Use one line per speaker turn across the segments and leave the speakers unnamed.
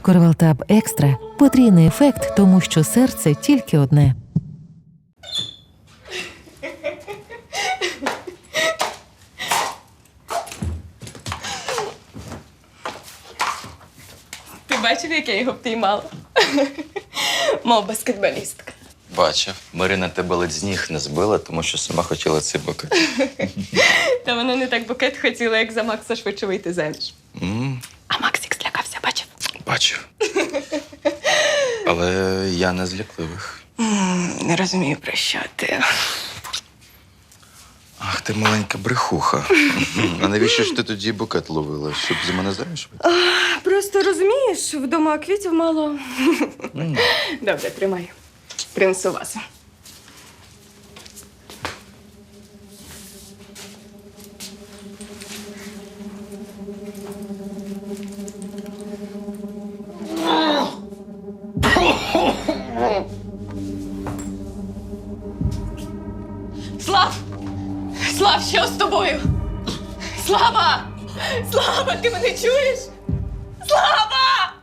Корвалтаб Екстра – потрійний ефект, тому що серце тільки одне.
Ти бачив, як я його впіймала? Мов баскетболістка.
Бачив. Марина тебе ледь з ніг не збила, тому що сама хотіла цей букет.
Та вона не так букет хотіла, як за Макса швидше вийти заміж. А Максик злякався, бачив?
Бачив. Але я не з лякливих.
Не розумію, про що ти.
Ах, ти маленька брехуха. А навіщо ж ти тоді букет ловила? Щоб за мене заміж вийти?
Просто розумієш, вдома квітів мало. Добре, тримай. Принесу вазу. Слав! Слав, що з тобою? Слава! Слава, ти мене чуєш? Слава!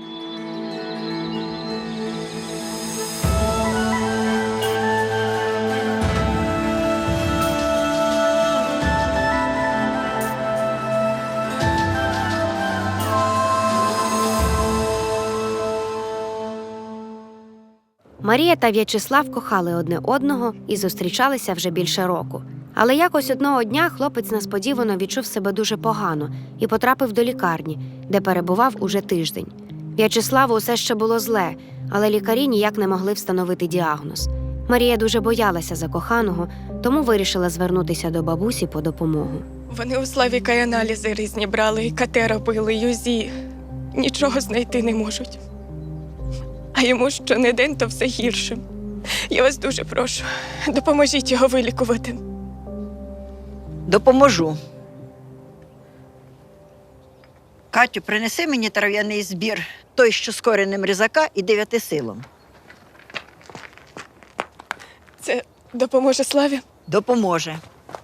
Марія та В'ячеслав кохали одне одного і зустрічалися вже більше року. Але якось одного дня хлопець несподівано відчув себе дуже погано і потрапив до лікарні, де перебував уже тиждень. В'ячеславу усе ще було зле, але лікарі ніяк не могли встановити діагноз. Марія дуже боялася за коханого, тому вирішила звернутися до бабусі по допомогу.
Вони у Славіка й аналізи різні брали, і КТ робили, і УЗІ. Нічого знайти не можуть. А йому що не день, то все гірше. Я вас дуже прошу, допоможіть його вилікувати.
Допоможу. Катю, принеси мені трав'яний збір, той, що з коренем різака і 9 силом.
Це допоможе Славі?
Допоможе.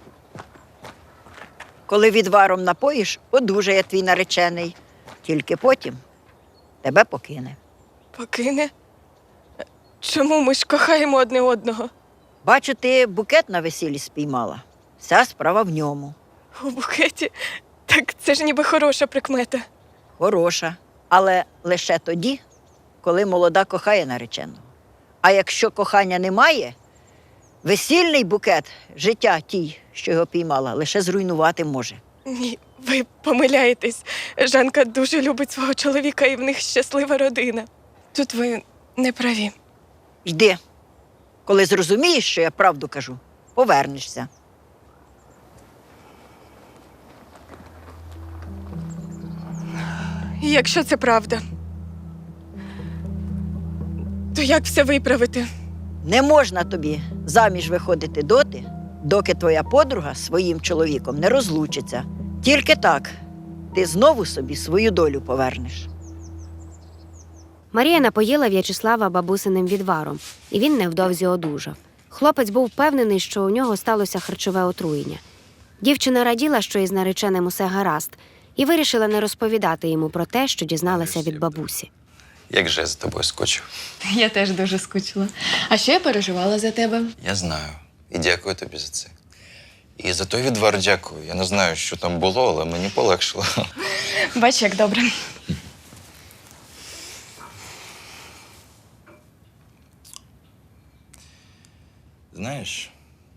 Коли відваром напоїш, одужає твій наречений. Тільки потім тебе покине.
Покине? Чому ми ж кохаємо одне одного?
Бачу, ти букет на весіллі спіймала. Вся справа в ньому.
У букеті? Так це ж ніби хороша прикмета.
Хороша. Але лише тоді, коли молода кохає нареченого. А якщо кохання немає, весільний букет життя тій, що його піймала, лише зруйнувати може.
Ні, ви помиляєтесь. Жанка дуже любить свого чоловіка, і в них щаслива родина. Тут ви не праві.
Йди. Коли зрозумієш, що я правду кажу, повернешся.
І якщо це правда, то як все виправити?
Не можна тобі заміж виходити доти, доки твоя подруга з своїм чоловіком не розлучиться. Тільки так ти знову собі свою долю повернеш.
Марія напоїла В'ячеслава бабусиним відваром, і він невдовзі одужав. Хлопець був впевнений, що у нього сталося харчове отруєння. Дівчина раділа, що із нареченим усе гаразд, і вирішила не розповідати йому про те, що дізналася від бабусі.
Як же я за тобою скочив?
Я теж дуже скучила. А ще я переживала за тебе.
Я знаю. І дякую тобі за це. І за той відвар дякую. Я не знаю, що там було, але мені полегшило.
Бач, як добре.
Знаєш,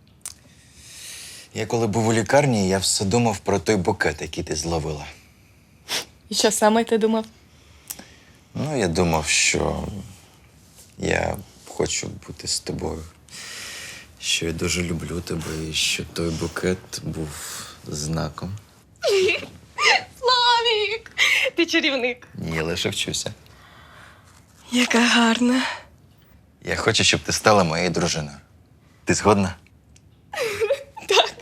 я коли був у лікарні, я все думав про той букет, який ти зловила.
І що саме ти думав?
Ну, я думав, що я хочу бути з тобою, що я дуже люблю тебе і що той букет був знаком.
Славік! Ти чарівник.
Ні, я лише вчуся.
Яка гарна.
Я хочу, щоб ти стала моєю дружиною. Ти згодна?
Так.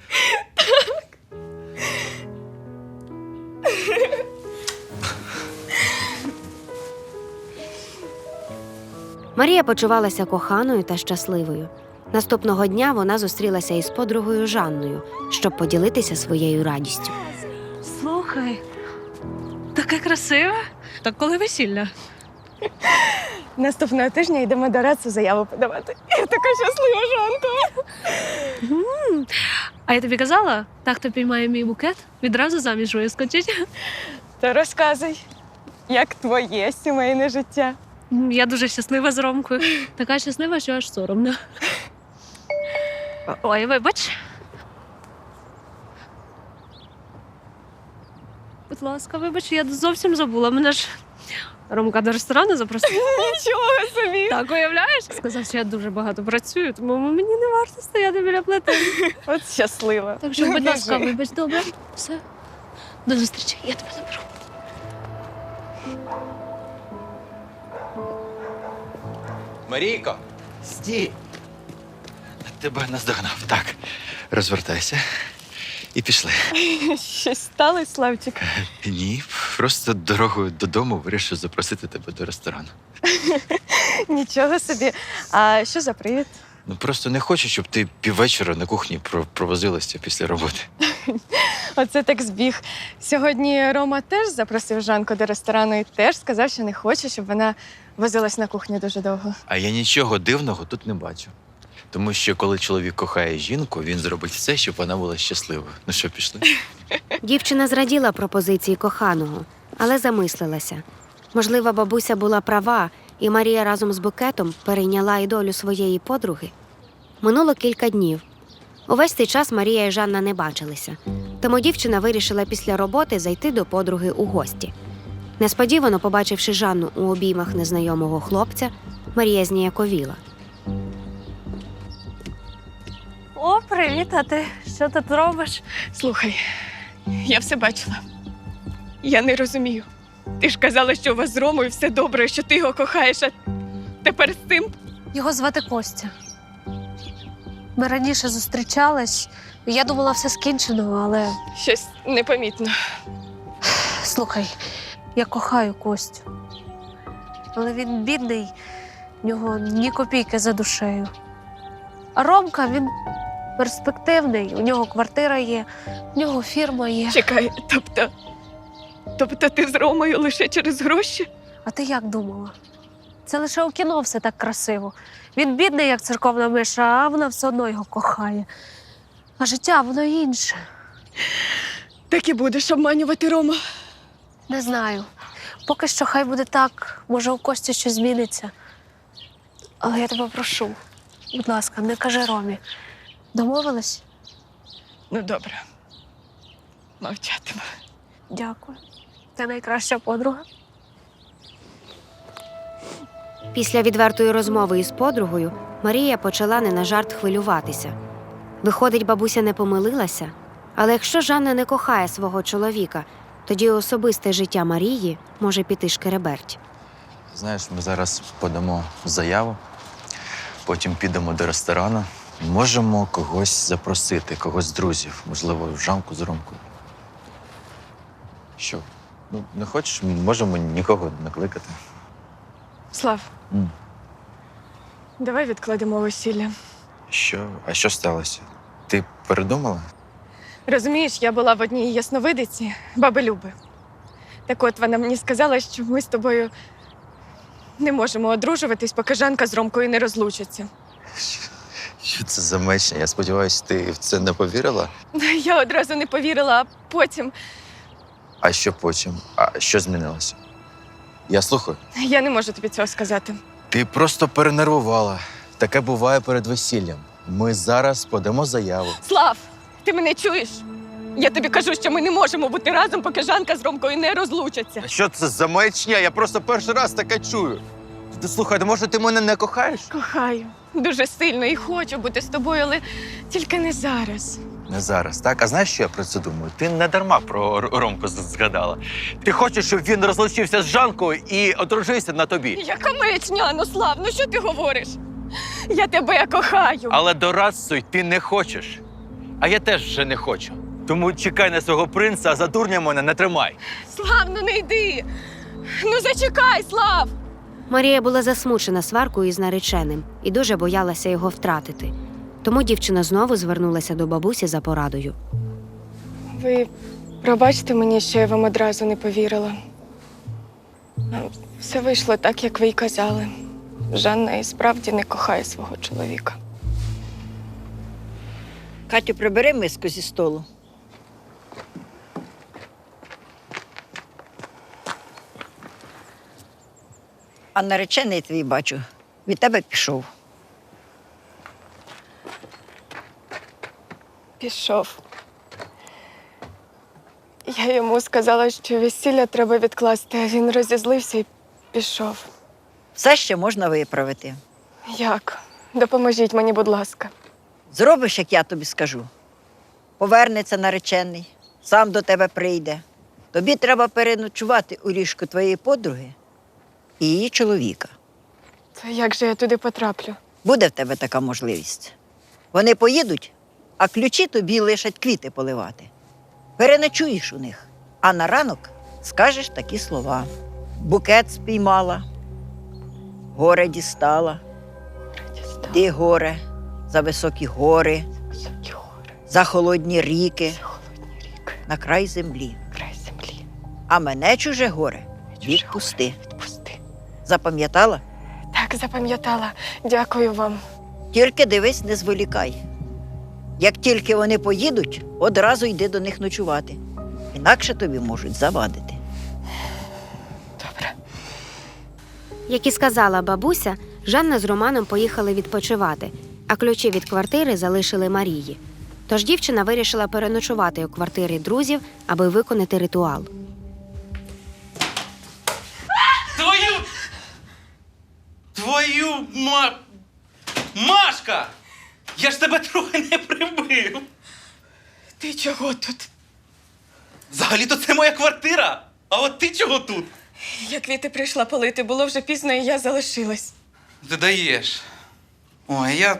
Марія почувалася коханою та щасливою. Наступного дня вона зустрілася із подругою Жанною, щоб поділитися своєю радістю.
Слухай, таке красиве. Так коли весілля?
Наступного тижня йдемо до Рацу заяву подавати. Я така щаслива, Жанко.
А я тобі казала, так, хто піймає мій букет, відразу заміж вискочить.
То розказуй, як твоє сімейне життя.
Я дуже щаслива з Ромкою. Така щаслива, що аж соромно. Ой, вибач. Будь ласка, вибач, я зовсім забула. Мене ж Ромка до ресторану запросив.
Нічого собі.
Так, уявляєш? Сказав, що я дуже багато працюю, тому мені не варто стояти біля плити.
От щаслива.
Так що, будь ласка,
Біжи.
вибач, добре. Все. До зустрічі, я тебе заберу.
Марійко! Стій! Тебе наздогнав. Так, розвертайся. І пішли.
Щось сталося, Славчик?
Ні, просто дорогою додому вирішив запросити тебе до ресторану.
Нічого собі. А що за привід?
Ну просто не хочу, щоб ти піввечора на кухні провозилася після роботи.
Оце так збіг. Сьогодні Рома теж запросив Жанку до ресторану і теж сказав, що не хоче, щоб вона возилась на кухні дуже довго.
А я нічого дивного тут не бачу. Тому що коли чоловік кохає жінку, він зробить все, щоб вона була щасливою. Ну що, пішли?
Дівчина зраділа пропозиції коханого, але замислилася. Можливо, бабуся була права, і Марія разом з букетом перейняла і долю своєї подруги. Минуло кілька днів. Увесь цей час Марія і Жанна не бачилися, тому дівчина вирішила після роботи зайти до подруги у гості. Несподівано, побачивши Жанну у обіймах незнайомого хлопця, Марія зніяковіла.
О, привіт, а ти що тут робиш?
Слухай, я все бачила. Я не розумію. Ти ж казала, що у вас з Ромою все добре, що ти його кохаєш, а тепер з цим?
Його звати Костя. Ми раніше зустрічались, і я думала, все скінчено, але
Щось непомітно.
слухай, я кохаю Костю. Але він бідний, в нього ні копійки за душею. А Ромка, він перспективний, у нього квартира є, у нього фірма є.
Чекай, тобто ти з Ромою лише через гроші?
А ти як думала? Це лише у кіно все так красиво. Він бідний, як церковна миша, а вона все одно його кохає. А життя, воно інше.
Так і будеш обманювати Рома.
Не знаю. Поки що хай буде так. Може, у Кості щось зміниться. Але я тебе прошу, будь ласка, не кажи Ромі. Домовились?
Ну, добре. Мовчатиму.
Дякую. Ти найкраща подруга.
Після відвертої розмови із подругою Марія почала не на жарт хвилюватися. Виходить, бабуся не помилилася? Але якщо Жанна не кохає свого чоловіка, тоді особисте життя Марії може піти шкереберть.
Знаєш, ми зараз подамо заяву, потім підемо до ресторану. Можемо когось запросити, когось з друзів, можливо, Жанку з Ромкою. Що? Ну, не хочеш, можемо нікого не кликати.
Слав, давай відкладемо весілля.
Що? А що сталося? Ти передумала?
Розумієш, я була в одній ясновидиці, баби Люби. Так от вона мені сказала, що ми з тобою не можемо одружуватись, поки Жанка з Ромкою не розлучаться.
Що це за мечня? Я сподіваюся, ти в це не повірила?
Я одразу не повірила, а потім
А що потім? А що змінилося? Я слухаю.
я не можу тобі цього сказати.
Ти просто перенервувала. Таке буває перед весіллям. Ми зараз подамо заяву.
Слав, ти мене чуєш? Я тобі кажу, що ми не можемо бути разом, поки Жанка з Ромкою не розлучаться.
А що це за маячня? Я просто перший раз таке чую. Ти слухай, може ти мене не кохаєш?
Кохаю дуже сильно і хочу бути з тобою, але тільки не зараз.
Не зараз, так? А знаєш, що я про це думаю? Ти не дарма про Ромку згадала. Ти хочеш, щоб він розлучився з Жанкою і одружився на тобі.
Яка маячня, ну Слав, ну що ти говориш? Я тебе кохаю.
Але до Рацу ти не хочеш. А я теж вже не хочу. Тому чекай на свого принца, а за дурня мене не тримай.
Слав, ну не йди. Ну зачекай, Слав.
Марія була засмучена сваркою із нареченим і дуже боялася його втратити. Тому дівчина знову звернулася до бабусі за порадою.
Ви пробачте мені, що я вам одразу не повірила. Все вийшло так, як ви й казали. Жанна і справді не кохає свого чоловіка.
Катю, прибери миску зі столу. А наречений твій, бачу, від тебе пішов.
Пішов. Я йому сказала, що весілля треба відкласти, а він розізлився і пішов.
Все ще можна виправити.
Як? Допоможіть мені, будь ласка.
Зробиш, як я тобі скажу. Повернеться наречений, сам до тебе прийде. Тобі треба переночувати у ліжку твоєї подруги і її чоловіка.
То як же я туди потраплю?
Буде в тебе така можливість. Вони поїдуть, а ключі тобі лишать квіти поливати. Переночуєш у них, а на ранок скажеш такі слова. Букет спіймала, горе дістала. Ти горе за високі гори,
Високі гори,
за холодні ріки,
холодні ріки,
на край землі.
край землі.
А мене чуже горе
Чуже
відпусти.
Відпусти.
Запам'ятала?
Так, запам'ятала. Дякую вам.
Тільки дивись, не зволікай. Як тільки вони поїдуть, одразу йди до них ночувати. Інакше тобі можуть завадити.
Добре.
Як і сказала бабуся, Жанна з Романом поїхали відпочивати, а ключі від квартири залишили Марії. Тож дівчина вирішила переночувати у квартирі друзів, аби виконати ритуал.
Твою Машка! Я ж тебе трохи не прибив.
Ти чого тут?
Взагалі-то це моя квартира. А от ти чого тут?
Я квіти прийшла полити, було вже пізно, і я залишилась.
Ти даєш. Ой, я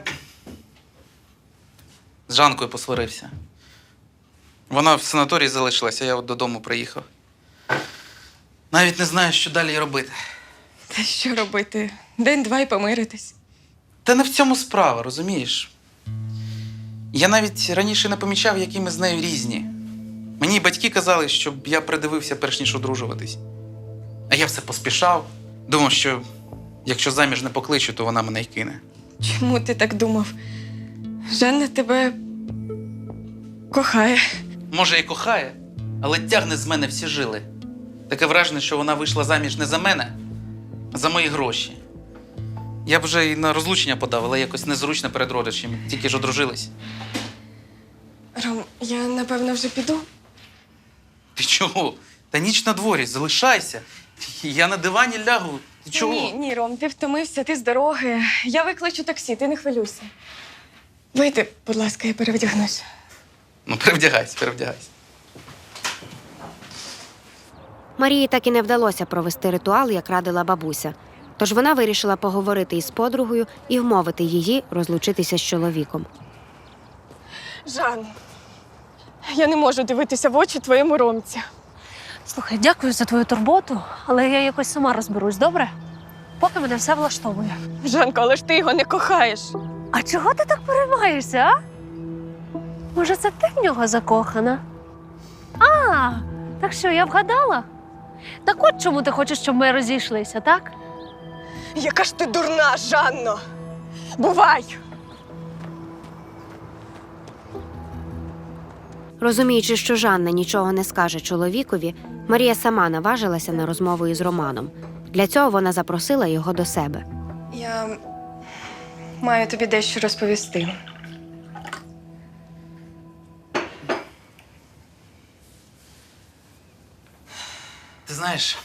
з Жанкою посварився. Вона в санаторії залишилася, я от додому приїхав. Навіть не знаю, що далі робити.
Та що робити? День-два і помиритись.
Та не в цьому справа, розумієш? Я навіть раніше не помічав, які ми з нею різні. Мені батьки казали, щоб я придивився, перш ніж одружуватись. А я все поспішав. Думав, що якщо заміж не покличу, то вона мене й кине.
Чому ти так думав? Жанна тебе кохає.
Може, і кохає, але тягне з мене всі жили. Таке враження, що вона вийшла заміж не за мене, а за мої гроші. Я б вже і на розлучення подав, але якось незручно перед родичами. Тільки ж одружились.
Ром, я напевно вже піду.
Ти чого? Та ніч на дворі, залишайся. Я на дивані лягу. Ти чого?
Ні, Ром, ти втомився, ти з дороги. Я викличу таксі, ти не хвилюйся. Вийди, будь ласка, я перевдягнусь.
Ну, перевдягайся, перевдягайся.
Марії так і не вдалося провести ритуал, як радила бабуся. Тож вона вирішила поговорити із подругою і вмовити її розлучитися з чоловіком.
Жан, я не можу дивитися в очі твоєму Ромці.
Слухай, дякую за твою турботу, але я якось сама розберусь, добре? Поки мене все влаштовує.
Жанко, але ж ти його не кохаєш.
А чого ти так переймаєшся, а? Може, це ти в нього закохана? А, так що, я вгадала? Так от чому ти хочеш, щоб ми розійшлися, так?
Яка ж ти дурна, Жанно! Бувай!
Розуміючи, що Жанна нічого не скаже чоловікові, Марія сама наважилася на розмову із Романом. Для цього вона запросила його до себе.
Я маю тобі дещо розповісти.
Ти знаєш,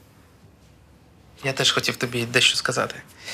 я теж хотів тобі дещо сказати.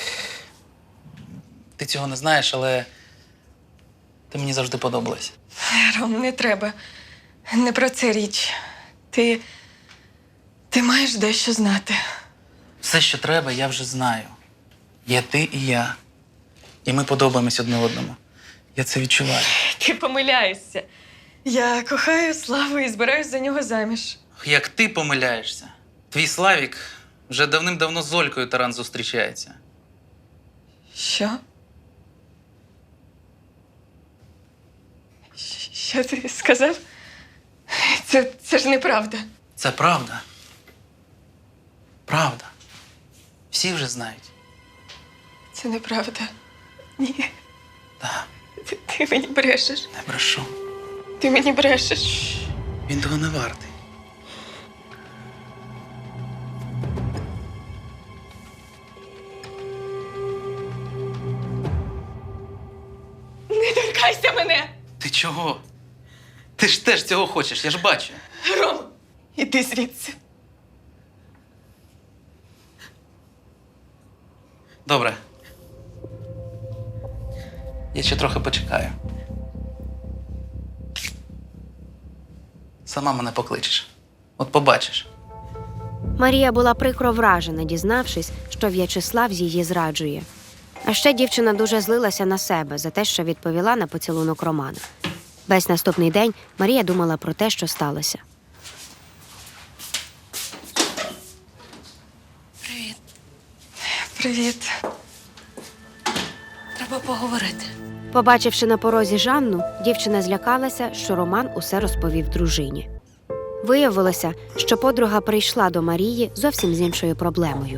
Ти цього не знаєш, але ти мені завжди подобалась.
Ром, не треба. Не про це річ. Ти маєш дещо знати.
Все, що треба, я вже знаю. Є ти і я. І ми подобаємось одне одному. Я це відчуваю.
Ти помиляєшся. Я кохаю Славу і збираюсь за нього заміж.
Як ти помиляєшся? Твій Славік вже давним-давно з Олькою Таран зустрічається.
Що? Що ти сказав? Це ж неправда.
Це правда. Правда. Всі вже знають.
Це неправда. Ні.
Так,
Ти мені брешеш.
не брешу.
Ти мені брешеш.
Він того не вартий.
Не торкайся мене!
Ти чого? Ти ж теж цього хочеш, я ж бачу.
Ром, іди звідси.
Добре. Я ще трохи почекаю. Сама мене покличеш. От побачиш.
Марія була прикро вражена, дізнавшись, що В'ячеслав її зраджує. А ще дівчина дуже злилася на себе за те, що відповіла на поцілунок Романа. Весь наступний день Марія думала про те, що сталося.
Привіт.
Треба поговорити.
Побачивши на порозі Жанну, дівчина злякалася, що Роман усе розповів дружині. Виявилося, що подруга прийшла до Марії зовсім з іншою проблемою.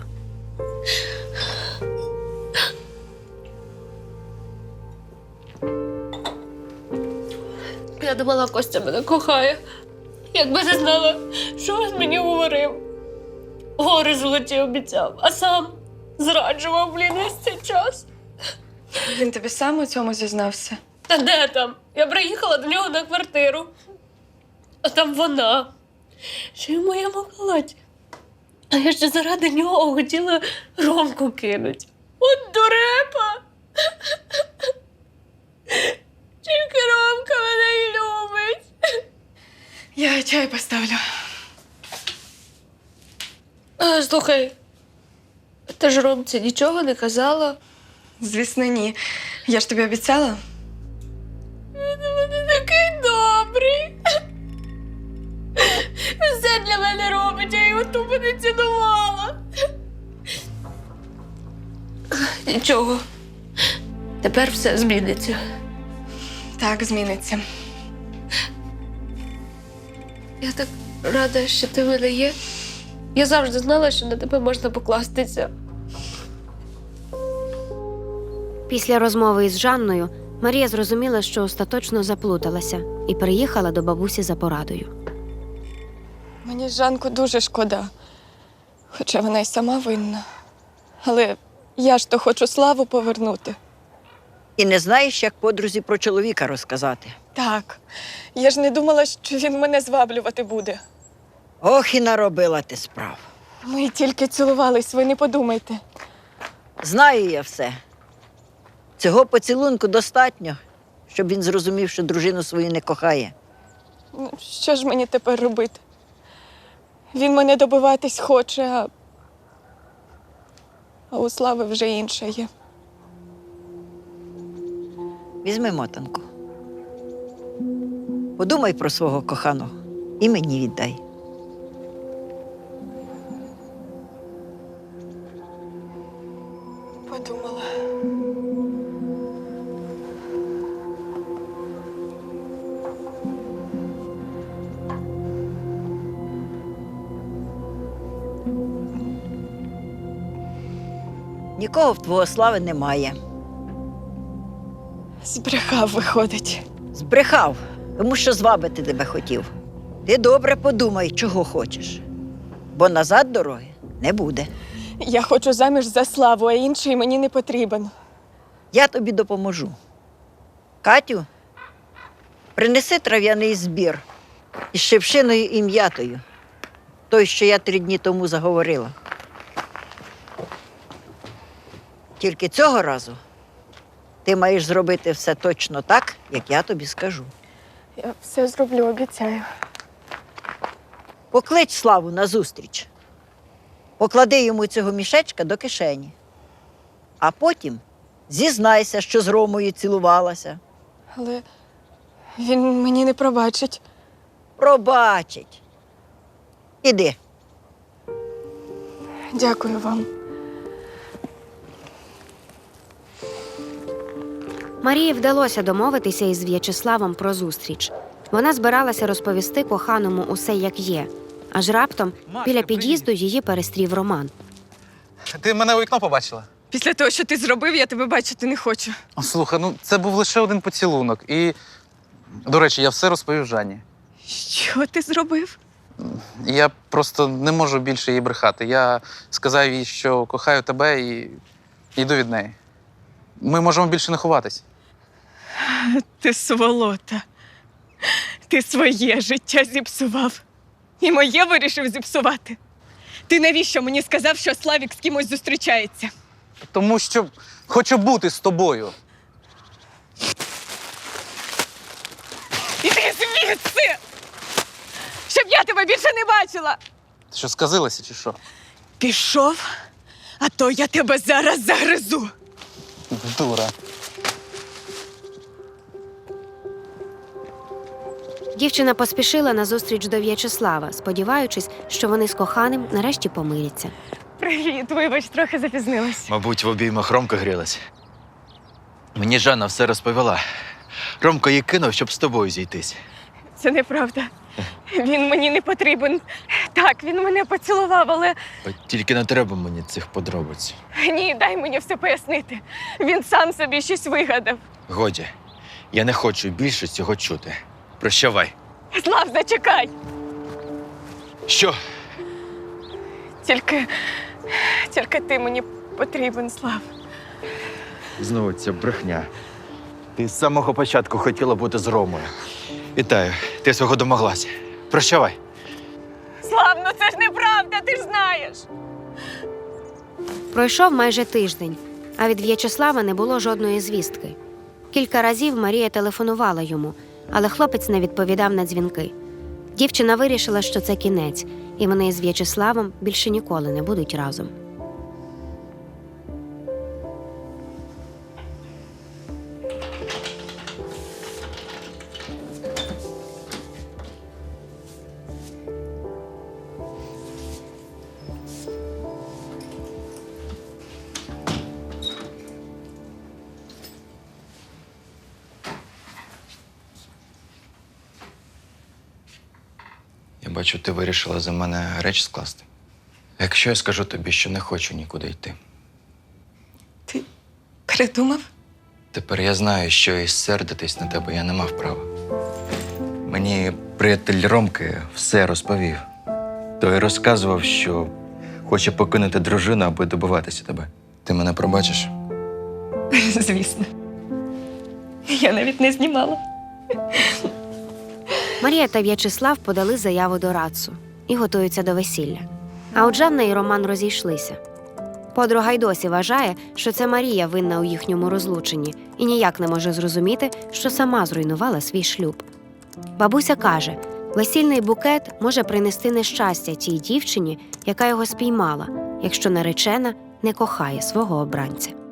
Я думала, Костя мене кохає. Якби не знала, що він мені говорив. Гори золоті обіцяв, а сам зраджував, весь цей час.
Він тобі сам у цьому зізнався?
Та де там? Я приїхала до нього на квартиру. А там вона. Ще й в моєму халаті. А я ще заради нього хотіла Ромку кинуть. От дурепа! Тільки Ромка мене й любить.
Я чай поставлю.
Слухай, ти ж Ромці нічого не казала?
Звісно, ні. Я ж тобі обіцяла.
Він такий добрий. Все для мене робить, я його тупо не цінувала. Нічого. Тепер все зміниться.
Так, зміниться.
Я так рада, що ти в мене є. Я завжди знала, що на тебе можна покластися.
Після розмови із Жанною Марія зрозуміла, що остаточно заплуталася і приїхала до бабусі за порадою.
Мені Жанку дуже шкода. Хоча вона й сама винна. Але я ж то хочу Славу повернути.
І не знаєш, як подрузі про чоловіка розказати.
Так. Я ж не думала, що він мене зваблювати буде.
Ох, і наробила ти справ.
Ми тільки цілувались, ви не подумайте.
Знаю я все. Цього поцілунку достатньо, щоб він зрозумів, що дружину свою не кохає.
Ну, що ж мені тепер робити? Він мене добиватись хоче, а у Слави вже інше є.
Візьми мотанку. Подумай про свого коханого і мені віддай.
Подумала.
Нікого в твого Слави немає.
Збрехав, виходить.
Збрехав, тому що звабити тебе хотів. Ти добре подумай, чого хочеш, бо назад дороги не буде.
Я хочу заміж за Славу, а інший мені не потрібен.
Я тобі допоможу. Катю, принеси трав'яний збір із шипшиною і м'ятою. Той, що я 3 дні тому заговорила. Тільки цього разу ти маєш зробити все точно так, як я тобі скажу.
Я все зроблю, обіцяю.
Поклич Славу назустріч. Поклади йому цього мішечка до кишені. А потім зізнайся, що з Ромою цілувалася.
Але він мені не пробачить.
Пробачить. Іди.
Дякую вам.
Марії вдалося домовитися із В'ячеславом про зустріч. Вона збиралася розповісти коханому усе, як є. Аж раптом біля під'їзду її перестрів Роман.
Ти мене у вікно побачила?
Після того, що ти зробив, я тебе бачити не хочу.
Слухай, ну це був лише один поцілунок. І, до речі, я все розповів Жанні.
Що ти зробив?
Я просто не можу більше їй брехати. Я сказав їй, що кохаю тебе і йду від неї. Ми можемо більше не ховатись.
Ти сволота. Ти своє життя зіпсував. І моє вирішив зіпсувати. Ти навіщо мені сказав, що Славік з кимось зустрічається?
Тому що хочу бути з тобою.
Іди звідси! Щоб я тебе більше не бачила!
Ти що, сказилася чи що?
Пішов, а то я тебе зараз загризу.
Дура.
Дівчина поспішила назустріч до В'ячеслава, сподіваючись, що вони з коханим нарешті помиряться.
Привіт, вибач, трохи запізнилась.
Мабуть, в обіймах Ромка грілась. Мені Жанна все розповіла. Ромко її кинув, щоб з тобою зійтись.
Це неправда. Він мені не потрібен. Так, він мене поцілував, але
От тільки не треба мені цих подробиць.
ні, дай мені все пояснити. Він сам собі щось вигадав.
Годі, я не хочу більше цього чути. Прощавай.
Слав, зачекай!
Що?
Тільки ти мені потрібен, Слав.
Знову ця брехня. Ти з самого початку хотіла бути з Ромою. Вітаю, ти свого домоглася. Прощавай.
Слав, ну це ж неправда, ти ж знаєш.
Пройшов майже тиждень, а від В'ячеслава не було жодної звістки. Кілька разів Марія телефонувала йому, але хлопець не відповідав на дзвінки. Дівчина вирішила, що це кінець, і вони з В'ячеславом більше ніколи не будуть разом.
Я бачу, ти вирішила за мене речі скласти. Якщо я скажу тобі, що не хочу нікуди йти,
Ти передумав?
тепер я знаю, що і сердитись на тебе я не мав права. Мені приятель Ромки все розповів. Той розказував, що хоче покинути дружину, аби добиватися тебе. Ти мене пробачиш?
Звісно. Я навіть не знімала.
Марія та В'ячеслав подали заяву до Рацу і готуються до весілля. А от Жанна і Роман розійшлися. Подруга й досі вважає, що це Марія винна у їхньому розлученні і ніяк не може зрозуміти, що сама зруйнувала свій шлюб. Бабуся каже, весільний букет може принести нещастя тій дівчині, яка його спіймала, якщо наречена не кохає свого обранця.